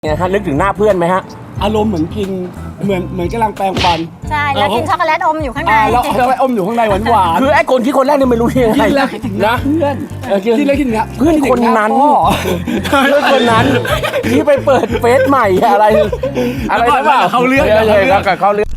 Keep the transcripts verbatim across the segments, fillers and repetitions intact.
เนี่ยฮะนึกถึงหน้าเพื่อนไหมฮะอารมณ์เหมือนกินเหมือนเหมือนกำลังแปรงฟันใช่แล้วกินช็อกโกแลตอมอยู่ข้างในแล้วแล้วอมอยู่ข้างในหวานหวานคือไอ้คนที่คนแรกเนี่ยไม่รู้ยังไงกินแล้วคิดถึงนะเพื่อนกินแล้วคิดถึงเพื่อนคนนั้นเพื่อนคนนั้นที่ไปเปิดเฟซใหม่อะไรอะไรหรือเปล่าเขาเลือกเลยกับเขาเลือก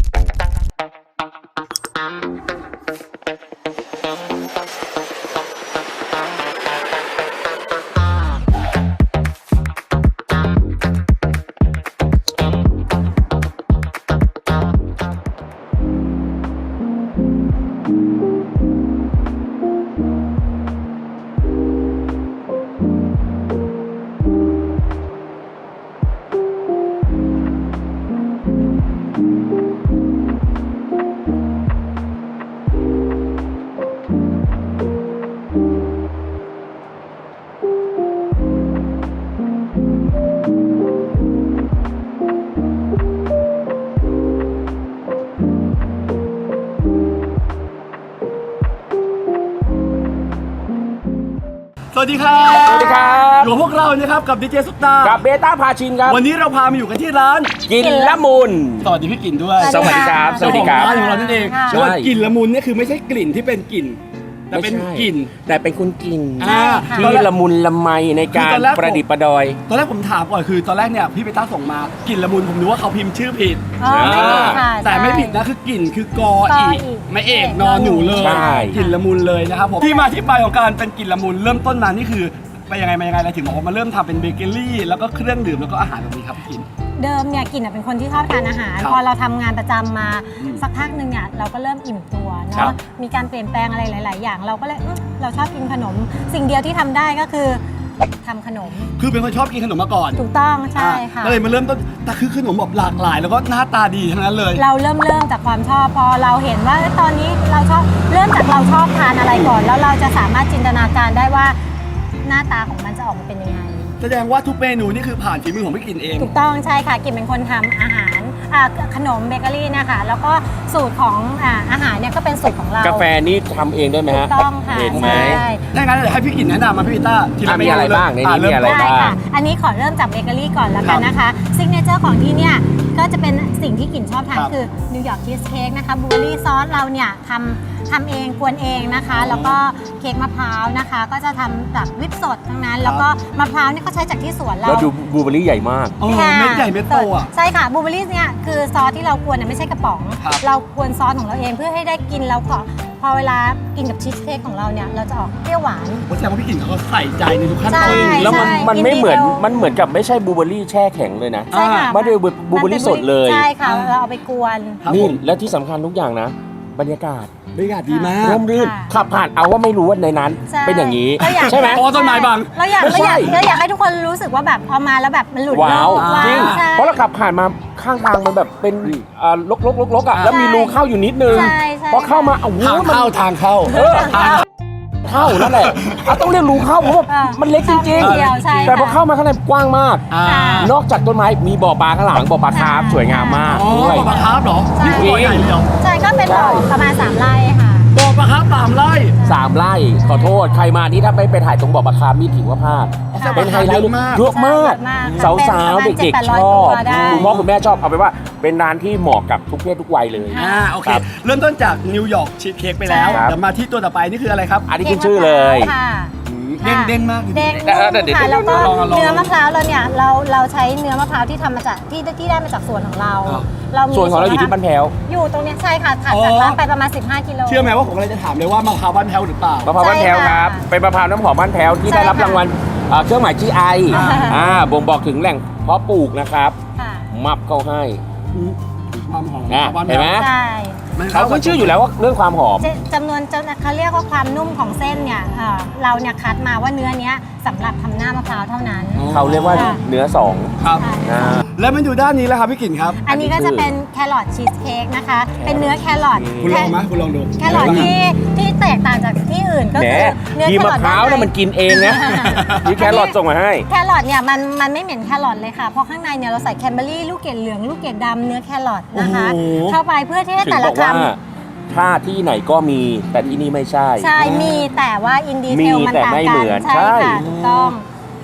สวัสดีครับสวัสดีครับอยู่กับพวกเรานะครับกับดีเจซุปตากับเบต้าพาชินครับวันนี้เราพามาอยู่กันที่ร้านกินละมุนสวัสดีพี่กินด้วยสวัสดีครับสวัสดีครับร้านของเรานั่นเองแล้วกลิ่นละมุนเนี่ยคือไม่ใช่กลิ่นที่เป็นกลิ่นแต่เป็นกลิ่นแต่เป็นคุณกินที่ละมุนละไมในการประดิษฐ์ประดอยตอนแรกผมถามก่อนคือตอนแรกเนี่ยพี่เบต้าส่งมากลิ่นละมุนผมนึกว่าเขาพิมพ์ชื่อผิดแต่ไม่ผิดนะคือกลิ่นคือกออีไม่เอกนอนหนูเลยกลิ่นละมุนเลยนะครับผมที่มาที่ไปของการเป็นกลิ่นละมุนเริ่มต้นมานี่คือไปยังไงมายังไงอะไรถึงบอกว่ามาเริ่มทำเป็นเบเกอรี่แล้วก็เครื่องดื่มแล้วก็อาหารแบบนี้ครับพี่กินเดิมเนี่ยกินเป็นคนที่ชอบทานอาหารพอเราทำงานประจำมาสักพักหนึ่งเนี่ยเราก็เริ่มอิ่มตัวเนาะมีการเปลี่ยนแปลงอะไรหลายๆอย่างเราก็เลยเราชอบกินขนมสิ่งเดียวที่ทำได้ก็คือทำขนมคือเป็นคนชอบกินขนมมาก่อนถูกต้องใช่ค่ะก็เลยมาเริ่มต้นแต่คือขนมแบบหลากหลายแล้วก็หน้าตาดีทั้งนั้นเลยเราเริ่มเริ่มจากความชอบพอเราเห็นว่าตอนนี้เราชอบเริ่มจากเราชอบทานอะไรก่อนแล้วเราจะสามารถจินตนาการได้ว่าหน้าตาของมันจะออกมาเป็นยังไงแสดงว่าทุกเมนูนี่คือผ่านฝีมือของพี่กินเองถูกต้องใช่ค่ะกินเป็นคนทำอาหารขนมเบเกอรี่นะคะแล้วก็สูตรของอาหารเนี่ยก็เป็นสูตรของเรากาแฟนี่ทำเองด้วยไหมฮะถูกต้องค่ะเห็นไหมถ้างั้นเดี๋ยวให้พี่กินแนะนำมาพี่ต้าทีละเมนูมีอะไรบ้างในนี้มีอะไรบ้างอันนี้ขอเริ่มจากเบเกอรี่ก่อนแล้วกันนะคะซิกเนเจอร์ของที่เนี่ยก็จะเป็นสิ่งที่กินชอบทานคือนิวยอร์กชีสเค้กนะคะบลูเบอร์รี่ซอสเราเนี่ยทำทำเองกวนเองนะคะแล้วก็เค้กมะพร้าวนะคะก็จะทำจากวิปสดทั้งนั้นแล้วก็มะพร้าวเนี่ยเขาใช้จากที่สวนเราแล้วดูบลูเบอร์รี่ใหญ่มากเม็ดใหญ่เม็ดโตอ่ะใช่ค่ะบลูเบอร์รี่เนี่ยคือซอสที่เรากวนเนี่ยไม่ใช่กระป๋องเรากวนซอสของเราเองเพื่อให้ได้กินแล้วก็พอเวลากินกับชีสเค้กของเราเนี่ยเราจะออกเปรี้ยวหวานแสดงว่าพี่กินเขาใส่ใจในทุกขั้นตอนแล้วมันมันไม่เหมือนมันเหมือนกับไม่ใช่บลูเบอร์รี่แช่แข็งเลยนะใช่ค่ะไม่ได้บลูเบอร์รี่สดเลยใช่ค่ะเราเอาไปกวนนี่และที่สำคัญทุกอย่างนะบรรยากาศบรรยากาศดีมากร่มรื่นขับผ่านเอาว่าไม่รู้ว่าในนั้นเป็นอย่างนี้ใช่ไหมอ๋อต้นไม้บางเราอยากเราอยากเราอยากให้ทุกคนรู้สึกว่าแบบพอมาแล้วแบบมันหลุดว้าวจริงเพราะเราขับผ่านมาข้างทางมันแบบเป็นลกลกลกลกอ่ะแล้วมีรูเข้าอยู่นิดนึงพอเข้ามาโอ้โหทางเข้าทางเข้าเข้านั่นแหละต้องเรียกรูเข้าเพราะว่ามันเล็กจริงๆแต่พอเข้ามาข้างในกว้างมากนอกจากต้นไม้มีบ่อปลาข้างหลังบ่อปลาคาร์ฟสวยงามมากด้วยบ่อปลาคาร์ฟเหรอนี่บ่อใหญ่เดียวใช่ก็เป็นบ่อประมาณสามไร่ค่ะบ่อปลาคาร์ฟสามไร่สามไร่ขอโทษใครมานี่ถ้าไม่ไปถ่ายตรงบ่อปลาคาร์ฟนี่ถือว่าพลาดเป็นไฮไลท์เยอะมากสาวๆเด็กๆชอบคุณพ่อคุณแม่ชอบเอาไปว่าเป็นร้านที่เหมาะกับทุกเพศทุกวัยเลยอ่าโอเคเริ่มต้นจากนิวยอร์กชีสเค้กไปแล้วเดี๋ยวมาที่ตัวต่อไปนี่คืออะไรครับอันนี้ขึ้นชื่อเลยเด้งเด้งมากเด้งค่ะแล้วก็เนื้อมะพร้าวเราเนี่ยเราเราใช้เนื้อมะพร้าวที่ทำมาจากที่ที่ได้มาจากสวนของเราส่วนของเราอยู่ที่บ้านแพ้วอยู่ตรงนี้ใช่ค่ะถัดจากร้านไปประมาณสิบห้ากิโลเชื่อไหมว่าผมเลยจะถามเลยว่ามะพร้าวบ้านแพ้วหรือเปล่ามะพร้าวบ้านแพ้วครับเป็นมะพร้าวน้ำหอมบ้านแพ้วที่ได้รับรางวัลเครื่องหมาย จี ไอ อ่าบ่งบอกถึงแหล่งเพาะปลูกนะครับมับเข้าให้ความหอมเห็นไหมใช่เขาขึ้นชื่ออยู่แล้วว่าเรื่องความหอมจำนวนเขาเรียกว่าความนุ่มของเส้นเนี่ยเราเนี่ยคัดมาว่าเนื้อเนี้ยสำหรับทำหน้ามะพร้าวเท่านั้นเขาเรียกว่าเนื้อสองครับแล้วมันอยู่ด้านนี้แล้วครับพี่กิ่นครับอันนี้ก็จะเป็นแครอทชีสเค้กนะคะเป็นเนื้อแครอทคุณลองไหมคุณลองดูแครอทที่ที่แตกต่างจากที่อื่นก็คือเนื้อแครอทมะพร้าวเนี่ยมันกินเองนะมีแครอทส่งมาให้แครอทเนี่ยมันมันไม่เหม็นแครอทเลยค่ะเพราะข้างในเนี่ยเราใส่แคนเบอร์รี่ลูกเกดเหลืองลูกเกดดำเนื้อแครอทนะคะเข้าไปเพื่อที่ให้แต่ละคำถ้าที่ไหนก็มีแต่ที่นี่ไม่ใช่ใช่มีแต่ว่าอินดีเทลมันต่างกันใช่ค่ะถูกต้อง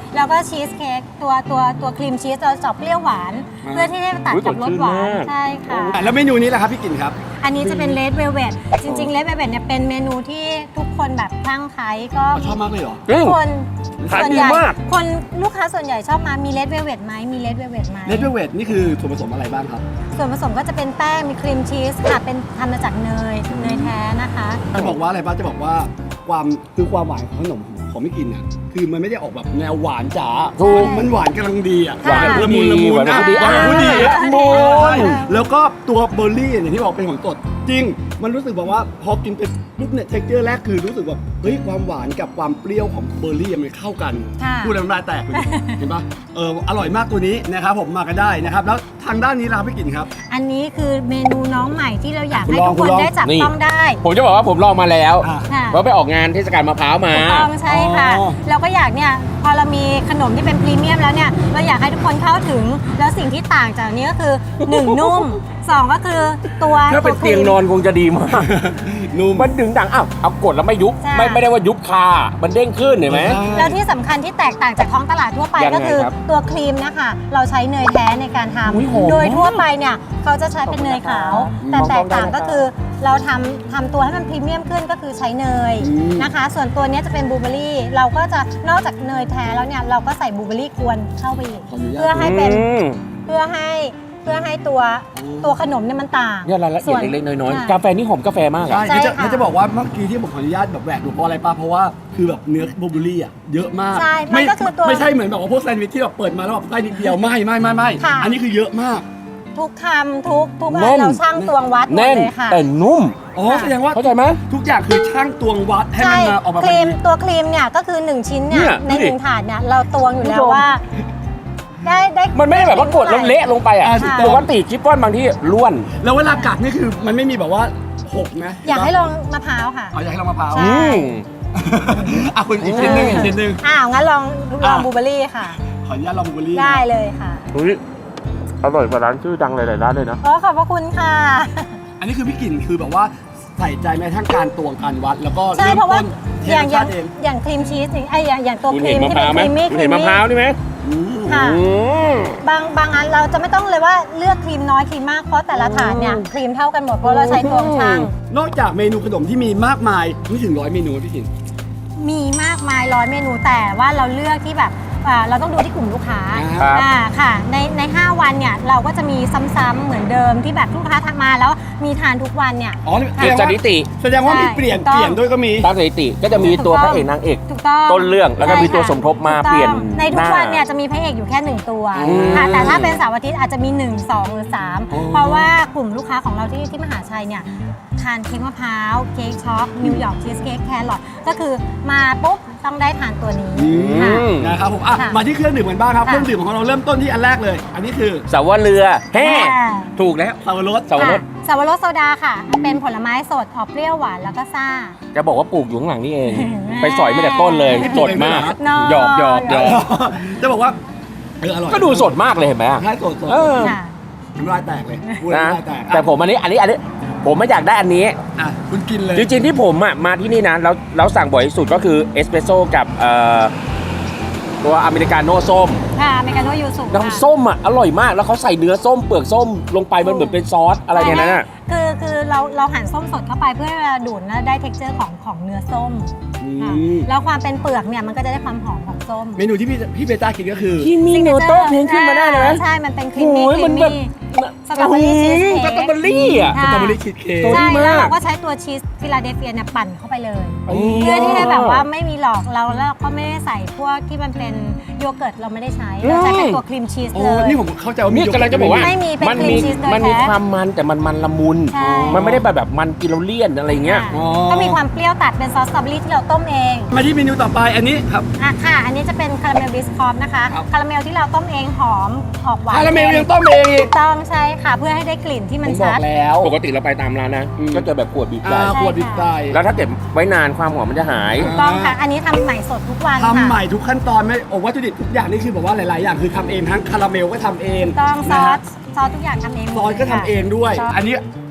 แล้วก็ชีสเค้กตัวตัวตัวครีมชีสเราจะเปรี้ยวหวาน เพื่อที่จะตัดกับรสหวานใช่ค่ะแล้วเมนูนี้แหละครับพี่กิ่นครับอันนี้จะเป็นเลดเวลเวทจริงๆเลดเวลเวทเนี่ยเป็นเมนูที่ทุกคนแบบคลั่งไคล้ก็ชอบมากเลยเหรอจริงคนขายส่วนดีใหญ่มากคนลูกค้าส่วนใหญ่ชอบมามีเลดเวลเวทไหมมีเลดเวลเวทไหมเลดเวทนี่คือส่วนผสมอะไรบ้างครับส่วนผสมก็จะเป็นแป้งมีครีมชีสค่ะเป็นทำมาจากเนยเนยแท้นะคะจะบอกว่าอะไรบ้างจะบอกว่าความคือความหวานของขนมของพี่กินเนี่ยคือมันไม่ได้ออกแบบแนวหวานจ๋าถูกมันหวานกำลังดีอ่ะหวานละมุนละมุนหวานอ่ะพอดีหวานพอดีอ่ะละมุนแล้วก็ตัวเบอร์รี่อย่างที่บอกเป็นของสดจริง มันรู้สึกแบบว่าพอกินไปปุ๊บเนี่ยเท็กเจอร์แรกคือรู้สึกแบบเฮ้ยความหวานกับความเปรี้ยวของเบอร์รี่มันเข้ากันค่ะพูดแล้วน้ำลายแตกเลยเห็นปะเอออร่อยมากตัวนี้นะครับผมมากันได้นะครับแล้วทางด้านนี้ล่ะครับพี่กินครับอันนี้คือเมนูน้องใหม่ที่เราอยากคุณให้ลองทุกคุคณนลองได้จับนี่ต้องได้ผมจะบอกว่าผมลองมาแล้วอ่ะค่ะว่าไปออกงานเทศกาลมะพร้าวมาถูกต้องใช่ค่ะอ๋อเราก็อยากเนี่ยพอเรามีขนมที่เป็นพรีเมียมแล้วเนี่ยเราอยากให้ทุกคนเข้าถึงแล้วสิ่งที่ต่างจากนี้ก็คือ หนึ่ง นุ่มสองก็คือตัวถ้าเป็นวคเตีรียงมนอนคงจะดีมากนุ่มมันดึงดังอ้าวเอากดแล้วไม่ยุบใช่ไม่ไม่ได้ว่ายุบคา มันเด้งขึ้นเห็นไหมแล้วที่สำคัญที่แตกต่างจากท้องตลาดทั่วไปยังไงก็คือครับตัวครีมนะคะเราใช้เนยแท้ในการทอุ๊ยหอมำโดยมากทั่วไปเนี่ยเขาจะใช้เป็นเนยขาว แต่มองแตกล้อก งได้ต่างนะครับก็คือเราทำทำตัวให้มันพรีเมียมขึ้นก็คือใช้เนยอืมนะคะ ส่วนตัวเนี้ยจะเป็นบลูเบอร์รี่เราก็จะนอกจากเนยแท้แล้วเนี่ยเราก็ใส่บลูเบอร์รี่กวนเข้าไปอีกขออนุญาตเพื่อให้เป็นอืมเพื่อให้เพื่อให้ตัวอืมตัวขนมเนี่ยมันต่างเนี่ยรายละเอียดส่วนเล็กๆน้อยค่ะๆกาแฟนี่หอมกาแฟมากอะใช่ใช่แล้วจะค่ะแล้วจะบอกว่าเมื่อกี้ที่ผมขออนุญาตแบบแหวกดูเพราะอะไรป่ะเพราะว่าคือแบบเนื้อบลูเบอร์รี่อ่ะเยอะมากใช่มันก็คือตัวไม่ใช่เหมือนแบบว่าพวกแซนด์วิชที่แบบเปิดมาแล้วแบบไส้นิดเดียวไม่ไม่ไม่ไม่ค่ะอันนี้คือเยอะมากทุกคำทุกทุกอัแน่นนเราช่างตวงวัดหมดแน่นเลยค่ะแต่นุ่มอ๋อแสดงว่าเข้าใจไหมทุกอย่างคือช่างตวงวัดให้มันมาออกมาคเป็นรีมนี้ตัวครีมเนี่ยก็คือ 1 ชิ้นเนี่ยเนี่ยในดูดิหนึ่งถาดเนี่ยเราตวงอยู่แล้วคุณผู้ชมว่า ได้ได้มันไม่ได้แบบว่ากดแล้วเละลงไปอ่ะอ่าถูกต้ปองกติชิปป้อนบางที่ล้วนแล้วเวลากัดนี่คือมันไม่มีแบบว่าหกนะอยากให้ลองมะพร้าวค่ะเอาอยากให้ลองมะพร้าวใช่อืมอ่ะคุณอีกชิ้นหนึงอีกชิ้นหนึงอ้าวงั้นลองลองอ่ะบลูเบอร์รี่ค่ะขออนุญาตลองบลูเบอร์รี่ได้เลยค่ะอุ้ยอร่อยกว่าร้านชื่อดังหลายๆร้านเลยนะโอ้ขอบพระคุณค่ะอันนี้คือพี่กลิ่นคือแบบว่าใส่ใจแม้ทั้งการตวงการวัด แล้วก็ใช่เริ่มเพราะว่าต้นเทอย่างรสอย่าชาง ติเองอย่างครีมชีสนี่ไอยอย่างอย่างตัวคุณครีเห็นมมะที่พเป็ร้าน วไหมครีมมี่คุณเห็นมะพร้าวนี่ไหมอืมค่ะอืมบางบางอันเราจะไม่ต้องเลยว่าเลือกครีมน้อยครีมมากเพราะแต่ละถาดเนี่ยครีมเท่ากันหมดเพราะเราใช้ตวงช่างนอกจากเมนูขนมที่มีมากมายไม่ถึงร้อยเมนูพี่กลิ่นมีมากมายร้อยเมนูแต่ว่าเราเลือกที่แบบอ่าเราต้องดูที่กลุ่มลูกค้าครับอ่าค่ะในในห้าวันเนี่ยเราก็จะมีซ้ำๆเหมือนเดิมที่แบบลูกค้าทักมาแล้วมีทานทุกวันเนี่ยอ๋อแสเก็ดบงสว่าถิติแสดงว่ามีใช่เปลี่ยนถูกต้องเปลี่ยนด้วยก็มีตามสถิติก็จะมีตัวพระเอกนางเอกถูกต้องต้นเรื่องแล้วก็มีตัวสมทบมาถูกต้องเปลี่ยนในทุกหวันเนี่ยจะมีพระเอกอยู่แค่หนึ่งตัวอืมค่ะแต่ถ้าเป็นเสาร์อาทิตย์อาจจะมีหนึ่ง สองหรือสามอ๋อเพราะว่ากลุ่มลูกค้าของเราที่ที่มหาชัยเนี่ยทานเค้กมะพร้าวเค้กช็อกนิวยอร์กชีสเค้กแครอทก็คือมาปุ๊บต้องได้ทานตัวนี้อืค่ะมนะครับผมอ่ะค่ะมาที่เครื่องดื่มกันบ้างครับค่ะเครื่องดื่มของเราเริ่มต้นที่อันแรกเลย อันนี้คือสาวเรือแฮ่ถูกแล้วสับปะรดสับปะรดค่ะสับปะรดโซดาค่ะ เป็นผลไม้สดออกเปรี้ยวหวานแล้วก็ซ่าจะบอกว่าปลูกอยู่ข้างหลังนี่เองอืมไปสอยมาแต่ต้นเลยสดมากน้อยหยอกหยอกหยอกจะบอกว่าเอออร่อยก็ดูสดมากเลยเห็นไหมอะใช่สดสดเออค่ะน้ำลายแตกเลยพูดนะน้ำลายแตกอ่ะแต่ผมอันนี้อันนี้อันนี้ ผมไม่อยากได้อันนี้อ่ะคุณกินเลยจริงๆที่ผมอ่ะมาที่นี่นะแล้วแล้วสั่งบ่อยที่สุดก็คือเอสเปรสโซ่กับเอ่อตัวอเมริกาโน่ส้มค่ะอเมริกาโน่ยูสุน้ำส้มอ่ะอร่อยมากแล้วเขาใส่เนื้อส้มเปลือกส้มลงไปมันเหมือนเป็นซอสอะไรเนี่ยนะคือคือเราเราหั่นส้มสดเข้าไปเพื่อดูดแล้วได้ เท็กเจอร์ ของของเนื้อส้มอืค่ะมแล้วความเป็นเปลือกเนี่ยมันก็จะได้ความหอมของส้มเมนูที่พี่พี่เบต้ากินก็คือที่มีโนโต้เพลงขึ้นมาได้เลยไหมใช่ มันเป็นครีมมี่โอ้ยครีมันมแบบมี่ สตรอเบอรี่ชีสเค้กสตรอเบอรี่อ่ะสตรอเบอรี่ชีสเค้กโอ้ยใช่ดีมากแล้วเราก็ใช้ตัวชีสฟิลาเดลเฟียเนี่ยปั่นเข้าไปเลยอ๋อเพื่อที่ให้แบบว่าไม่มีหลอกเราแล้วเราก็ไม่ได้ใส่พวกที่มันเป็นโยเกิร์ตเราไม่ได้ใช้ เราใช้เป็นตัวครีมชีสโอ้เลยนี่ผมเข้าใจว่ามีนี่กำลังจะบอกว่าไม่มีเป็นมันครีมีมชีสโดยมันมีแท้ความมันแต่มันมันละมุนใช่มันไม่ได้แบบแบบมันกินเราเลี่ยนอะไรเงี้ยค่ะก็มีความเปรี้ยวตัดเป็นซอสสตรอเบอรี่ที่เราต้มเองมาที่เมนูต่อไปอันนี้ครับอ่ะค่ะ อันนี้จะเป็นคาราเมลบิสคอฟนะคะครับคาราเมลที่เราต้มเองหอมออกหวานคาราเมลยังต้มเองอีถูกกต้องใช่ค่ะ เพื่อให้ได้กลิ่นที่มันผมบชัอกดแล้วปกติเราไปตามร้านนะอืมก็เจอแบบขวดบีบใส่อ่าขวดดิบใจแล้วถ้าเก็บไว้นานความหอมมันจะหายถูกต้องค่ะ อันนี้ทำใหม่สดทุกวันทำค่ะใหม่ทุกขั้นตอนไม่โอ้วัตถุดิบทุกอย่างนี่คือแบบว่าหลาย ๆ อย่างคือทำเองทั้งคาราเมลก็ทำเองถูกต้องซนะอฮะสซอสทุกอย่างทำเองหมดซอสก็ทำเองด้วยซอสอันนี้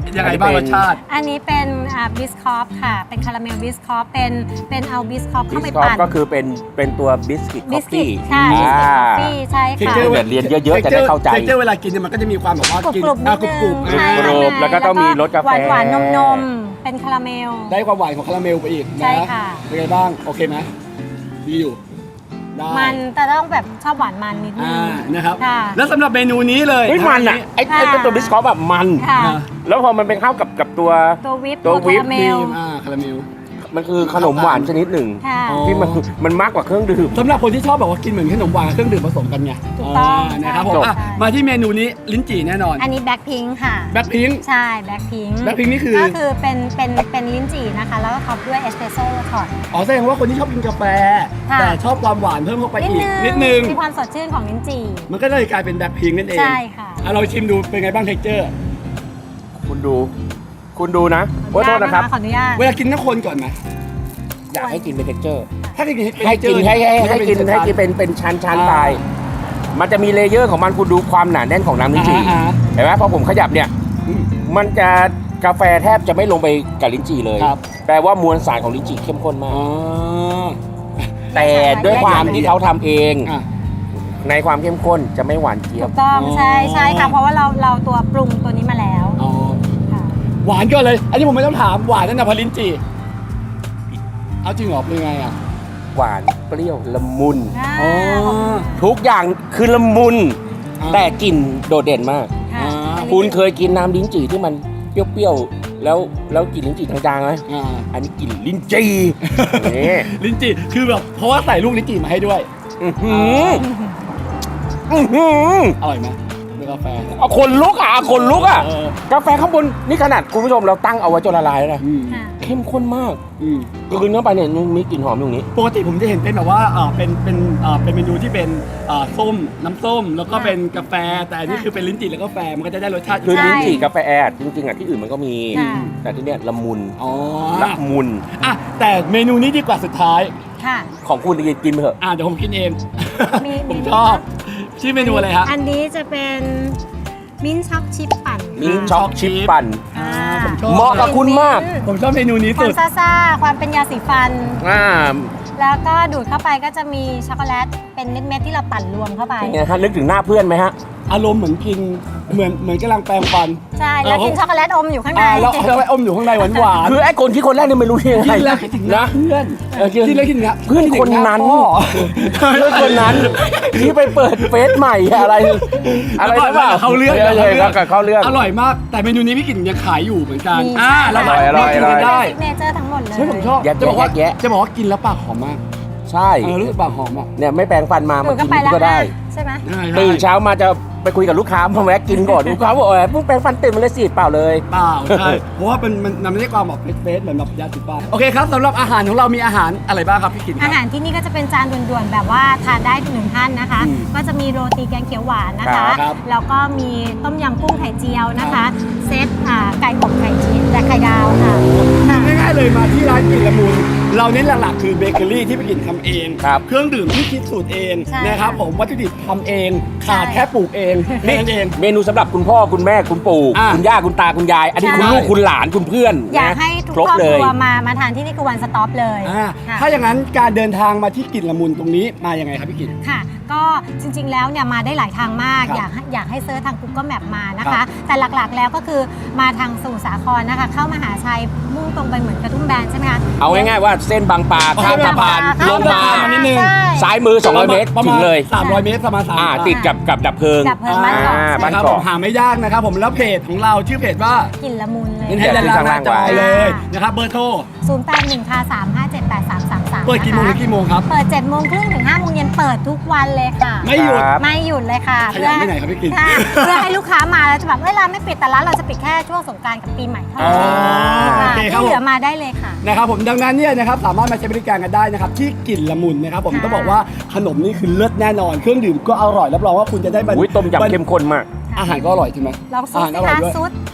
ยังไงบ้างรสชาติอันนี้เป็นบิสคอฟค่ะเป็นคาราเมลบิสคอฟเป็นเป็นเอาบิสคอฟบิเข้าสไปคอฟปั่นก็คือเป็นเป็นตัวบิสกิตคบิอฟสกิตฟี่ใช่บิสกิตคอฟฟี่ใช่ค่ะ Texture เรียนเยอะๆจะได้เข้าใจเท็กเจอร์เวลากินเนี่ยมันก็จะมีความแบบว่ากรุบกินกรุบนิอ่ะดกรุบนึกรุบงใช่กรุบแล้วก็ต้องมีรสกาแฟหวานหวานนมนมๆเป็นคาราเมลได้ความหวานของคาราเมลไปอีกใช่นะค่ะเป็นไงบ้างโอเคไหมดีอยู่ได้มันแต่ต้องแบบชอบหวานมันนิดนึอ่าง นะครับค่ะแล้วสำหรับเมนูนี้เลยเฮ้ยมันอ่ะไอ้ไอ้ค่ะตัวบิสคอฟแบบมันค่ะอ่าแล้วพอมันเป็นเข้ากับกับตัวตัววิปตัววิปคาราเมครีลมอ่าคาราเมลมันคือขนมหวานชนิดหนึ่งค่ะอ๋อที่มันมันมากกว่าเครื่องดื่มสำหรับคนที่ชอบแบบว่ากินเหมือนขนมหวานกับเครื่องดื่มผสมกันไงถูกต้องานะครับผมใช่อ่ะใช่มาที่เมนูนี้ลิ้นจี่แน่นอนอันนี้แบล็คพิงค์ค่ะแบล็คพิงค์ใช่แบล็คพิงค์ Blackpink นี่คือก็คือเป็นเป็นเป็นลิ้นจี่นะคะ แล้วก็ท็อปด้วยเอสเปรสโซ่ช็อตอ๋อแสดงว่าคนที่ชอบกินกาแฟค่ะแต่ชอบความหวานเพิ่มเข้าไปนิดอีกนึงนิดนึงมีความสดชื่นของลิ้นจี่มันก็เลยกลายเป็นแบล็คพิงค์นั่นเองใช่ค่ะอ่ะเราชิมดูเป็นไงบ้างเท็กเจอร์คุณดู คุณดูนะโอ้ยโทษนะครับขออนุญาตเวลากินต้องคนก่อนไหมอยากให้กินเป็นเท็กเจอร์ถ้ากินให้กินให้ให้ให้กินให้กินเป็นเป็นชั้นชั้นไป มันจะมีเลเยอร์ของมันคุณดูความหนาแน่นของน้ำลิ้นจี่อ่าเห็นไหมพอผมขยับเนี่ยอืมมันจะกาแฟแทบจะไม่ลงไปกับลิ้นจี่เลยครับแปลว่ามวลสารของลิ้นจี่เข้มข้นมาอ๋กอแต่ด้วยความที่เขาทำเองอ่ะในความเข้มข้นจะไม่หวานเจี๊ยถูบกต้องอ๋อใช่ใช่ค่ะ เพราะว่าเราเราตัวปรุงตัวนี้มาแล้วอ๋อค่ะหวานก็เลย อันนี้ผมไม่ต้องถามหวานนั่นนะพอลิ้นจี่เอาจริงเหรอเป็นไงอ่ะหวานเปรี้ยวละมุนอ่าอ๋อทุกอย่างคือละมุนอ่าแต่กลิ่นโดดเด่นมากค่ะอ่าอันนี้คุณเคยกินน้ำลิ้นจี่ที่มันเปรี้ยวๆแล้วแล้วกลิ่นลิ้นจี่จางๆไหมอ่าอันนี้กลิ่นลิ้นจี่นี่ลิ้นจี่คือแบบเพราะว่าใส่ลูกลิ้นจี่มาให้ด้วยอื้อหืออื้อหืออร่อยไหมเป็นกาแฟเอาคนลุกอ่ะเอาคนลุกอ่ะเออกาแฟข้างบนนี่ขนาดคุณผู้ชมเราตั้งเอาไว้จนละลายแล้วนะอืมค่ะเข้มข้นมากอืมคืนเข้าไปเนี่ยยังมีกลิ่นหอมอยู่ตรงนี้ปกติผมจะเห็นเป็นแบบว่าเออเป็นเป็นเออเป็นเมนูที่เป็นเออส้มน้ำส้มแล้วก็เป็นกาแฟ แต่อันนี้คือเป็นลิ้นจี่แล้วก็กาแฟมันก็จะได้รสชาติคือใช่ลิ้นจี่กาแฟแอดจริงๆอ่ะที่อื่นมันก็มีค่ะแต่ที่เนี้ยละมุนอ๋อละมุนอ่ะแต่เมนูนี้ดีกว่าสุดท้ายค่ะของคุณกินกินไปเถอะอ่ะเดี๋ยวผมกินเองมีผมมีชอบชื่อเมนูอะไรฮะอันนี้จะเป็นมิ้นท์ช็อกชิปปั่นมิ้นท์ช็อกชิปปั่นอ่าผมชอบเหมาะกับคุณมากผมชอบเมนูนี้ควาสุมดซ่าๆ ความเป็นยาสีฟันอ่าแล้วก็ดูดเข้าไปก็จะมีช็อกโกแลตเป็นเม็ดๆที่เราปั่นรวมเข้าไปเป็นไงฮะนึกถึงหน้าเพื่อนไหมฮะอารมณ์เหมือนกินเหมือนเหมือนกำลังแปรงฟันใช่ แล้วกินช็อกโกแลตอมอยู่ข้างในอ่าแล้วแล้วไอ้อมอยู่ข้างในหวานหวานๆคือไอ้คนที่คนแรกเนี่ยไม่รู้ยังไงกินแล้วคิดถึงหน้านะเพื่อนเออกินกินแล้วคิดถึงหน้าเพื่อนคนนั้นพ่อเพื่อนคนนั้นที่ไปเปิดเฟซใหม่อะไร อะไรแล้วนะเปล่าเขาเรื่องเลยเลยกับเขาเรื่องอร่อยมาก แต่เมนูนี้พี่กิ่นยังขายอยู่เหมือนกันมีอ่าแล้วอร่อยอร่อยกินกันอร่อยได้ซิกเนเจอร์ทั้งหมดเลยใช่ผมชอบแยะจะบอกว่าแยะจะบอกว่ากินแล้วปากหอมมากใช่เออรู้สึกปากหอมอ่ะเนี่ยไม่แปรงฟันมาดูมาดเข้ากินไปแล้วก็ได้ใช่ไหมใช่ตื่นเช้ามาจะไปคุยกับลูกค้ามาแวะกินก่อนลูกค้าบอกเออเพิ่งแปรงฟันตื่นมาเลยสิเปล่าเลยเปล่าใช่ เพราะว่ามันมันมันไม่ได้ความแบบเฟสๆเหมือนแบบยาสีฟันโอเคครับสำหรับอาหารของเรามีอาหารอะไรบ้างครับพี่กิ่นคอารับหารที่นี่ก็จะเป็นจานด่วนๆ แบบว่าทานได้หนึ่งท่านนะคะอืมก็จะมีโรตีแกงเขียวหวานนะคะครับแล้วก็มีต้มยำกุ้งไข่เจียวนะคะ เซตอ่าไก่อบไข่ชีสและไข่ดาวค่ะค่ะง่ายๆเลยมาที่ร้านกลิ่นละมุนเราเน้นหลักๆคือเบเกอรี่ที่พี่กิ่นทำเองครับเครื่องดื่มที่คิดสูตรเองใช่นะครับค่ะผมวัตถุดิบทำเองขาดใช่แค่ปลูกเองแค่นั้นเองเมนูสำหรับคุณพ่อคุณแม่คุณปู่อ่ะคุณย่าคุณตาคุณยาย อันนี้ใช่คุณลูกคุณหลานคุณเพื่อนอยากนะให้ทุกครบครอบเลคยรัวมามาทานที่นี่คือวันสต็อปเลยอ่าค่ะถ้าอย่างนั้นการเดินทางมาที่กลิ่นละมุนตรงนี้มายังไงครับพี่กิ่นค่ะ ก็จริงๆ แล้วเนี่ยมาได้หลายทางมากครับอยากให้อยากให้เซิร์ชทาง Google Map มานะครัคะบแต่หลักๆ แล้วก็คือมาทางสมุทรสาครนะคะ เข้ามหาชัยมุ่งตรงไปเหมือนกระทุ่มแบนใช่ไหมคะเอาง่ายๆว่าเส้นบางปลาข้ามสะพานข้ลงมาสะพนนิดนึงใช่ซ้ายมือสองร้อยเมตรประถึมางณเลยสามร้อยเมตรประมาณสามอ่าร้อยติดกับกับดับเพลิงดับเพลิงบ้านเกาะอ่าบ้านนะครับเกาะผมหาไม่ยากนะครับผมแล้วเพจของเราชื่อเพจว่ากินละมุนเลยเน้นให้ด้านล่างหน้าจอเลยนะครับเบอร์โทรศูนย์ แปด หนึ่ง ค่ะ สาม ห้า เจ็ด แปด สาม สาม สามเปิดกี่โมงถึงกี่โมงครับเปิดเจ็ดโมงครึ่งถึงห้าโมงเย็นเปิดทุกวันเลยค่ะไม่หยุดครับไม่หยุดเลยค่ะขยันไปไหนครับพี่กิ่นค่ะเพื่อให้ลูกค้ามาแล้วจะแบบเวลาไม่ปิดแต่ร้านเราจะปิดแค่ช่วงสงกรานต์กับปีใหม่เท่านั้นอ๋อค่ะโอเคครับที่เหลือผมมาได้เลยค่ะนะครับผมดังนั้นเนี่ยนะครับสามารถมาใช้บริการกันได้นะครับที่กลิ่นละมุนนะครับผมค่ะต้องบอกว่าขนมนี่คือเลิศแน่นอน เครื่องดื่มก็อร่อยรับรองว่าคุณจะได้บรรอุ้ยต้มยำเข้มข้นมากอาหารก็อร่อยใช่ไหมลองซุอาดหารสิอร่อยคะด้วยซุด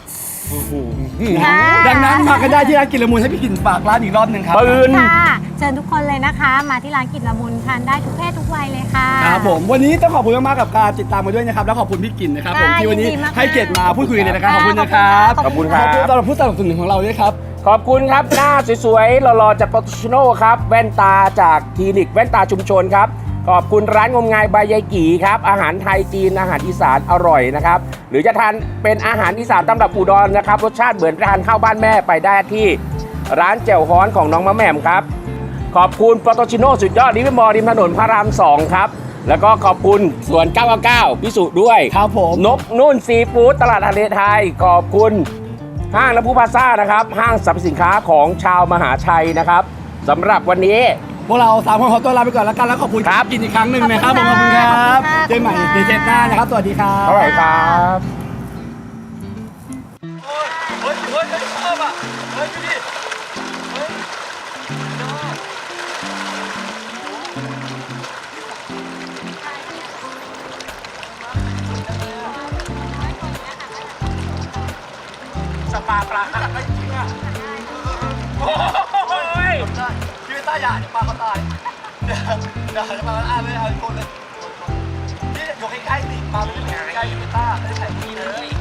ค่ะดังนั้นมากันได้ที่ร้านกินละมุนให้พี่กินฝากร้านอีกรอบหนึ่งครับปืนค่ะเชิญทุกคนเลยนะคะ มาที่ร้านกินละมุนทานได้ทุกเพศทุกวัยเลยค่ะครับผมวันนี้ต้องขอบคุณมากๆกับการติดตามมาด้วยนะครับแล้วขอบคุณพี่กินนะครับผมค่ะที่วันนี้ยินดีมากๆให้เกียรติมาพูดคุยในรายการขอบคุณนะครับขอบคุณครับขอบคุณสำหรับผู้สนับสนุนของเราด้วยครับขอบคุณครับ หน้าสวยๆหล่อๆจากโปรตุชโนครับแว่นตาจากคลินิกแว่นตาชุมชนครับขอบคุณร้านงมงายบายยายกี่ครับอาหารไทยจีนอาหารอีสานอร่อยนะครับหรือจะทานเป็นอาหารอีสานตำรับอุดรนะครับรสชาติเหมือนทานข้าวบ้านแม่ไปได้ที่ร้านแจ่วฮ้อนของน้องมะแหม่มครับขอบคุณโปรตุชโนสุดยอดริมมอริมถนนพระรามสองครับแล้วก็ขอบคุณสวนเก้าเก้าพิสุด้วยครับผมนกนุ่นซีฟู้ดตลาดทะเลไทยขอบคุณ ห้างน้ำพุพลาซ่านะครับห้างสรรพสินค้าของชาวมหาชัยนะครับสำหรับวันนี้พวกเราสามคนขอตัวลาไปก่อนแล้วกันแล้วขอบคุณครับกินอีกครั้งหนึ่งนะครับผมขขออบบ คุคุณ ณค่ะครับขอบคุณค่ะเจอกันใหม่ในเทปหน้านะครับสวัสดีครับเท่าไหร่ครับเฮ้ยเฮ้ยเฮ้ยชอบอ่ะเฮ้ยดูดิเฮ้ย สปาปลาขนาดไม่จริงอ่ะโอ้ยพี่ต้าอย่าเดี๋ยวปลาเขาตายเดี๋ยวเดี๋ยวจะมาอ่านเลยเอาอีกคนเลยนี่อยู่ใกล้ๆสิปลาไม่ได้อยู่ใกล้ๆพี่ต้าไม่ได้ใส่ที่เลย